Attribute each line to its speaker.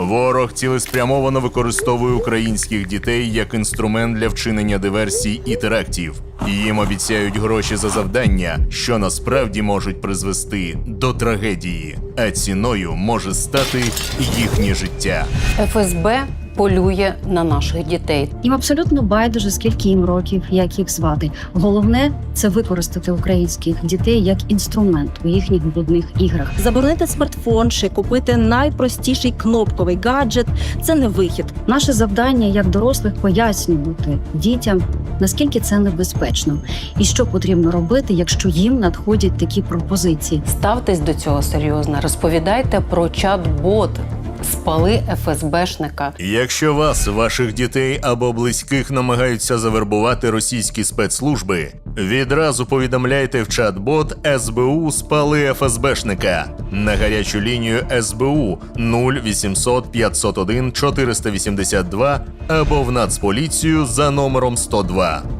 Speaker 1: Ворог цілеспрямовано використовує українських дітей як інструмент для вчинення диверсій і терактів. Їм обіцяють гроші за завдання, що насправді можуть призвести до трагедії, а ціною може стати їхнє життя.
Speaker 2: ФСБ полює на наших дітей.
Speaker 3: Їм абсолютно байдуже, скільки їм років, як їх звати. Головне – це використати українських дітей як інструмент у їхніх брудних іграх.
Speaker 4: Заборонити смартфон чи купити найпростіший кнопковий гаджет – це не вихід.
Speaker 3: Наше завдання як дорослих пояснювати дітям, наскільки це небезпечно і що потрібно робити, якщо їм надходять такі пропозиції.
Speaker 2: Ставтесь до цього серйозно. Розповідайте про чат-бот «Спали ФСБшника».
Speaker 1: Якщо вас, ваших дітей або близьких намагаються завербувати російські спецслужби, відразу повідомляйте в чат-бот СБУ «Спали ФСБшника» на гарячу лінію СБУ 0800 501 482 або в Нацполіцію за номером 102.